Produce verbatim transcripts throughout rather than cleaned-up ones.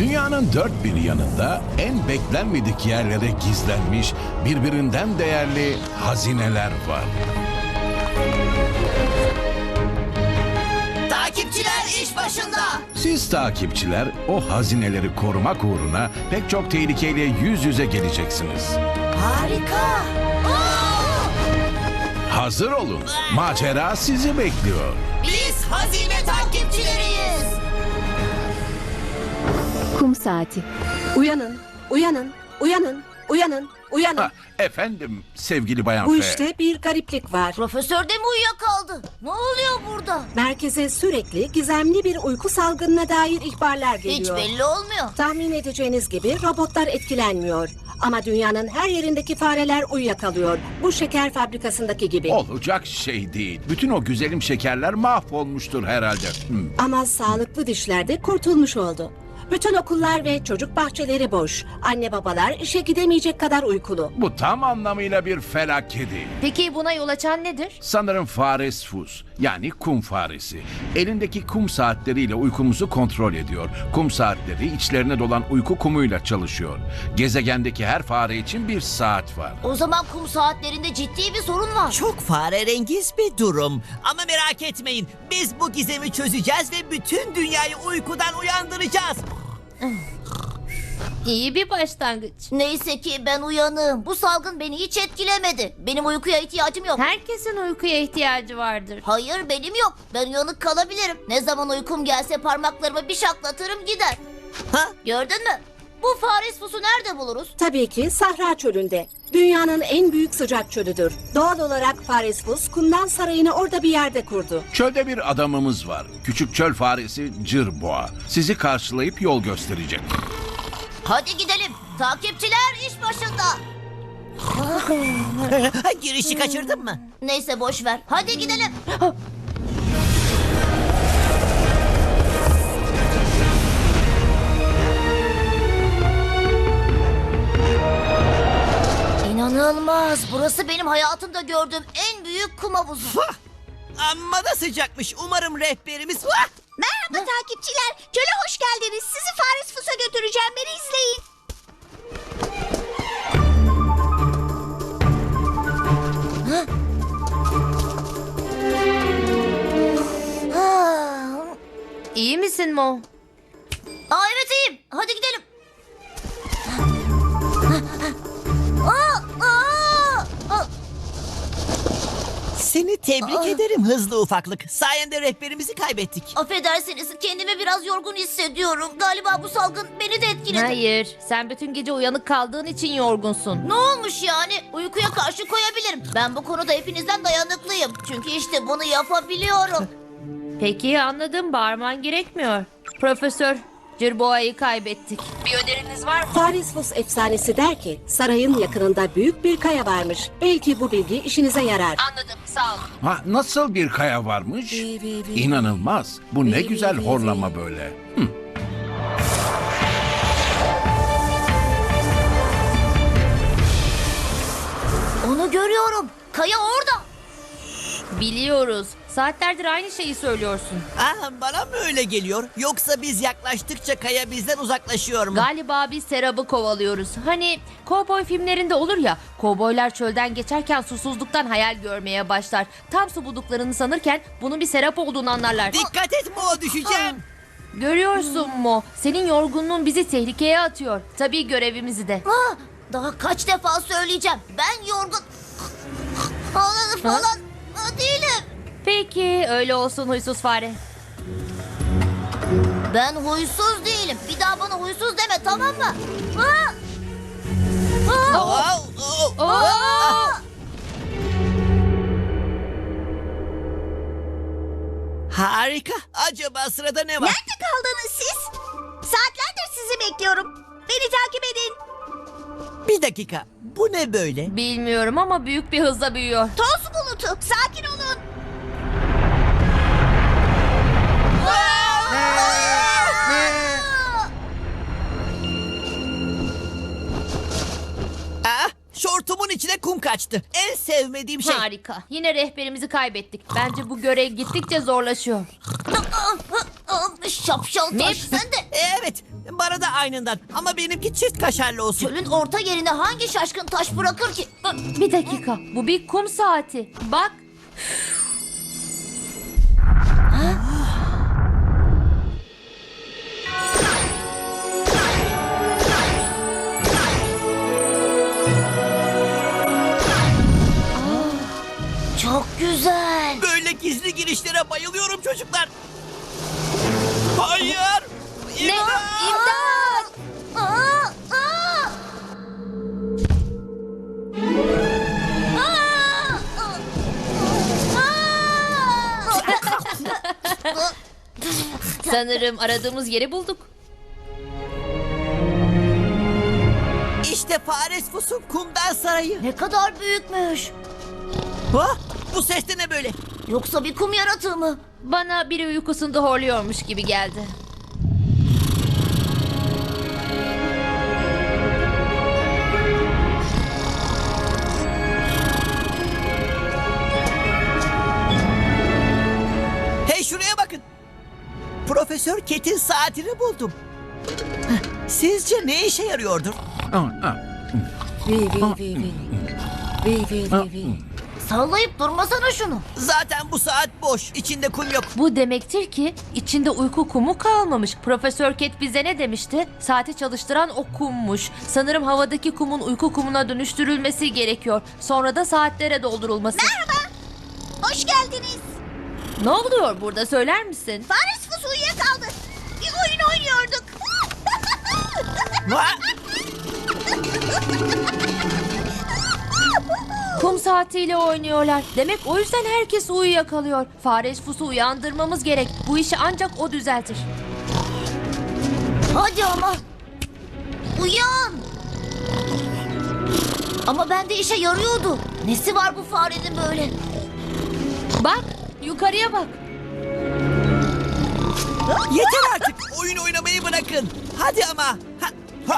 Dünyanın dört bir yanında en beklenmedik yerlere gizlenmiş birbirinden değerli hazineler var. Takipçiler iş başında. Siz takipçiler o hazineleri korumak uğruna pek çok tehlikeyle yüz yüze geleceksiniz. Harika. Hazır olun. Macera sizi bekliyor. Biz hazine takipçileriyiz. Kum saati. Uyanın, uyanın, uyanın, uyanın, uyanın. Ha, efendim sevgili Bayan Bu F. işte bir gariplik var. Profesör de mi uyuyakaldı? Ne oluyor burada? Merkeze sürekli gizemli bir uyku salgınına dair ihbarlar Hiç geliyor. belli olmuyor. Tahmin edeceğiniz gibi robotlar etkilenmiyor. Ama dünyanın her yerindeki fareler uyuyakalıyor. Bu şeker fabrikasındaki gibi. Olacak şey değil. Bütün o güzelim şekerler mahvolmuştur herhalde. Hmm. Ama sağlıklı dişler de kurtulmuş oldu. Bütün okullar ve çocuk bahçeleri boş. Anne babalar işe gidemeyecek kadar uykulu. Bu tam anlamıyla bir felaket. Peki buna yol açan nedir? Sanırım fares fus, yani kum faresi. Elindeki kum saatleriyle uykumuzu kontrol ediyor. Kum saatleri içlerine dolan uyku kumuyla çalışıyor. Gezegendeki her fare için bir saat var. O zaman kum saatlerinde ciddi bir sorun var. Çok farerengiz bir durum. Ama merak etmeyin. Biz bu gizemi çözeceğiz ve bütün dünyayı uykudan uyandıracağız. İyi bir başlangıç. Neyse ki ben uyanığım. Bu salgın beni hiç etkilemedi. Benim uykuya ihtiyacım yok. Herkesin uykuya ihtiyacı vardır. Hayır benim yok. Ben uyanık kalabilirim. Ne zaman uykum gelse parmaklarımı bir şaklatırım gider. Ha? Gördün mü? Bu fares fusu nerede buluruz? Tabii ki Sahra Çölü'nde. Dünyanın en büyük sıcak çölüdür. Doğal olarak Faresfus kumdan sarayını orada bir yerde kurdu. Çölde bir adamımız var. Küçük çöl faresi Cırboğa. Sizi karşılayıp yol gösterecek. Hadi gidelim. Takipçiler iş başında. Girişi kaçırdın mı? Neyse boş ver. Hadi gidelim. İnanılmaz. Burası benim hayatımda gördüğüm en büyük kum havuzu. Vah! Amma da sıcakmış. Umarım rehberimiz... Vah! Merhaba takipçiler. Çöle hoş geldiniz. Sizi Fares Fus'a götüreceğim. Beni izleyin. Ha? İyi misin Mo? Aa evet iyiyim. Hadi gidelim. Aa, aa, aa. Seni tebrik Aa. ederim hızlı ufaklık. Sayende rehberimizi kaybettik. Affedersiniz kendimi biraz yorgun hissediyorum. Galiba bu salgın beni de etkiledi. Hayır, sen bütün gece uyanık kaldığın için yorgunsun. Ne olmuş yani? Uykuya karşı koyabilirim. Ben bu konuda hepinizden dayanıklıyım. Çünkü işte bunu yapabiliyorum. Peki anladım, bağırman gerekmiyor. Profesör, Cırboğa'yı kaybettik. Bir öneriniz var mı? Faresfus efsanesi der ki sarayın yakınında büyük bir kaya varmış. Belki bu bilgi işinize yarar. Anladım, sağ olun. Ha, nasıl bir kaya varmış? İnanılmaz. Bu ne güzel horlama böyle. Hı. Onu görüyorum. Kaya orada. Biliyoruz. Saatlerdir aynı şeyi söylüyorsun. Ah, bana mı öyle geliyor? Yoksa biz yaklaştıkça kaya bizden uzaklaşıyor mu? Galiba biz Serap'ı kovalıyoruz. Hani kovboy filmlerinde olur ya, kovboylar çölden geçerken susuzluktan hayal görmeye başlar. Tam su bulduklarını sanırken bunun bir Serap olduğunu anlarlar. Dikkat et Mo, düşeceğim. Görüyorsun mu? Senin yorgunluğun bizi tehlikeye atıyor. Tabii görevimizi de. Ah, daha kaç defa söyleyeceğim. Ben yorgun falan, falan değilim. Peki öyle olsun huysuz fare. Ben huysuz değilim. Bir daha bana huysuz deme tamam mı? Ah! Ah! Oh, oh. Ah! Harika. Acaba sırada ne var? Nerede kaldınız siz? Saatlerdir sizi bekliyorum. Beni takip edin. Bir dakika. Bu ne böyle? Bilmiyorum ama büyük bir hızla büyüyor. Toz bulutu. Sakin olun. Ah, şortumun içine kum kaçtı. En sevmediğim şey. Harika. Yine rehberimizi kaybettik. Bence bu görev gittikçe zorlaşıyor. Şapşal taş Mip. sen de. Evet, Bana da aynından ama benimki çift kaşarlı olsun. Çölün orta yerine hangi şaşkın taş bırakır ki? Bir dakika. Bu bir kum saati. Bak. Çok güzel. Böyle gizli girişlere bayılıyorum çocuklar. Hayır. Ne? İmdat! İmdat! Aa, aa! Aa! Aa! Sanırım aradığımız yeri bulduk. İşte Fares Fus'un kumdan sarayı. Ne kadar büyükmüş. Ha? Bu ses de ne böyle? Yoksa bir kum yaratığı mı? Bana biri uykusunda horluyormuş gibi geldi. Hey şuraya bakın. Profesör Ket'in saatini buldum. Heh, Sizce ne işe yarıyordur? Ah, ah. Vi vi vi vi. Vi vi vi vi. Sallayıp durmasana şunu. Zaten bu saat boş. İçinde kum yok. Bu demektir ki içinde uyku kumu kalmamış. Profesör Ket bize ne demişti? Saati çalıştıran o kummuş. Sanırım havadaki kumun uyku kumuna dönüştürülmesi gerekiyor. Sonra da saatlere doldurulması. Hoş geldiniz. Ne oluyor burada, söyler misin? Fares Fus uyuyakaldı. Bir oyun oynuyorduk. Ha? Kum saatiyle oynuyorlar. Demek o yüzden herkes uyuyakalıyor. Fares Fus'u uyandırmamız gerek. Bu işi ancak o düzeltir. Hadi ama. Uyan. Ama bende işe yarıyordu. Nesi var bu farenin böyle? Bak, yukarıya bak. Yeter artık. Oyun oynamayı bırakın. Hadi ama. Ha, ha.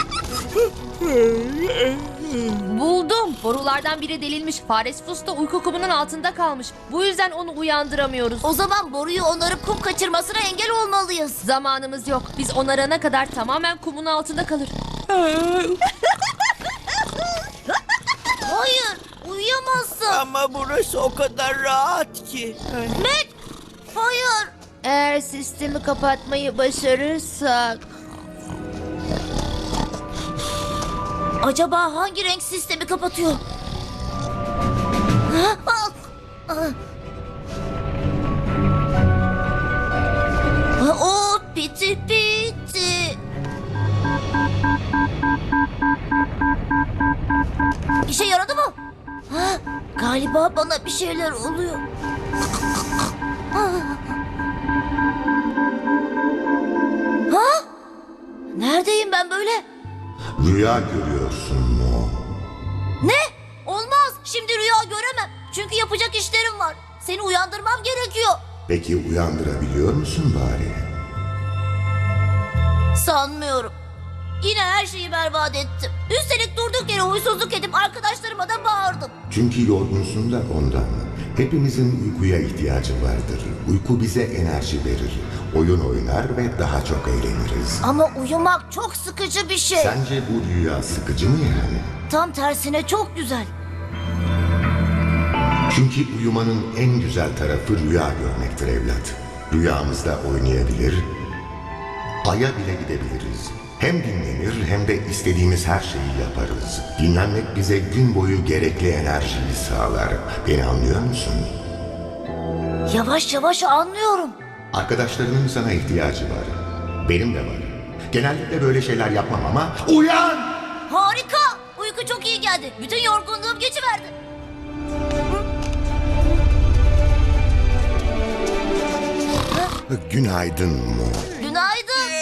Buldum. Borulardan biri delinmiş. Fares Fus da uyku kumunun altında kalmış. Bu yüzden onu uyandıramıyoruz. O zaman boruyu onarıp kum kaçırmasına engel olmalıyız. Zamanımız yok. Biz onarana kadar tamamen kumun altında kalır. Hayır, uyuyamazsın. Ama burası o kadar rahat ki. Mac, hayır. Eğer sistemi kapatmayı başarırsak... Acaba hangi renk sistemi kapatıyor? Ha? Ah! Ah! Ah, o piti piti. İşe yaradı mı? Ha, galiba bana bir şeyler oluyor. Ah! Ha? Neredeyim ben böyle? Rüya görüyorsun mu? Ne? Olmaz. Şimdi rüya göremem. Çünkü yapacak işlerim var. Seni uyandırmam gerekiyor. Peki uyandırabiliyor musun bari? Sanmıyorum. Yine her şeyi berbat ettim. Üstelik durduk yere huysuzluk edip arkadaşlarıma da bağırdım. Çünkü yorgunsun da ondan. Hepimizin uykuya ihtiyacı vardır. Uyku bize enerji verir. Oyun oynar ve daha çok eğleniriz. Ama uyumak çok sıkıcı bir şey. Sence bu rüya sıkıcı mı yani? Tam tersine çok güzel. Çünkü uyumanın en güzel tarafı rüya görmektir evlat. Rüyamızda oynayabilir, aya bile gidebiliriz. Hem dinlenir hem de istediğimiz her şeyi yaparız. Dinlenmek bize gün boyu gerekli enerjiyi sağlar. Beni anlıyor musun? Yavaş yavaş anlıyorum. Arkadaşlarının sana ihtiyacı var. Benim de var. Genellikle böyle şeyler yapmam ama uyan! Harika. Uyku çok iyi geldi. Bütün yorgunluğum geçiverdi. Günaydın Mo. Günaydın.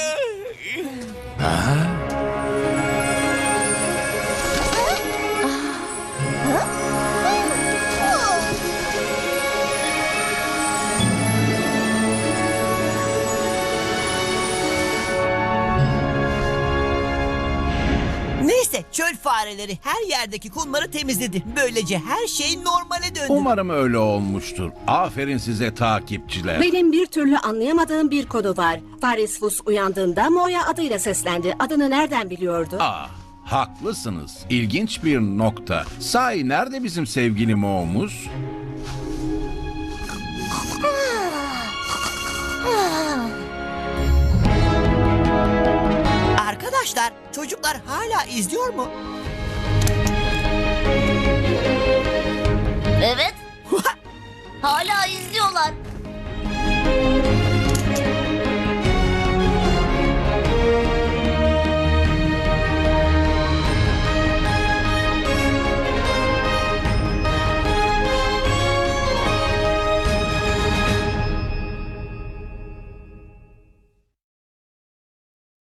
Neyse Çöl fareleri her yerdeki kumları temizledi. Böylece her şey normale döndü. Umarım öyle olmuştur. Aferin size takipçiler. Benim bir türlü anlayamadığım bir konu var. Farisfus uyandığında Moya adıyla seslendi. Adını nereden biliyordu? Ah, haklısınız. İlginç bir nokta. Sahi nerede bizim sevgili Mo'muz? Arkadaşlar, çocuklar hala izliyor mu?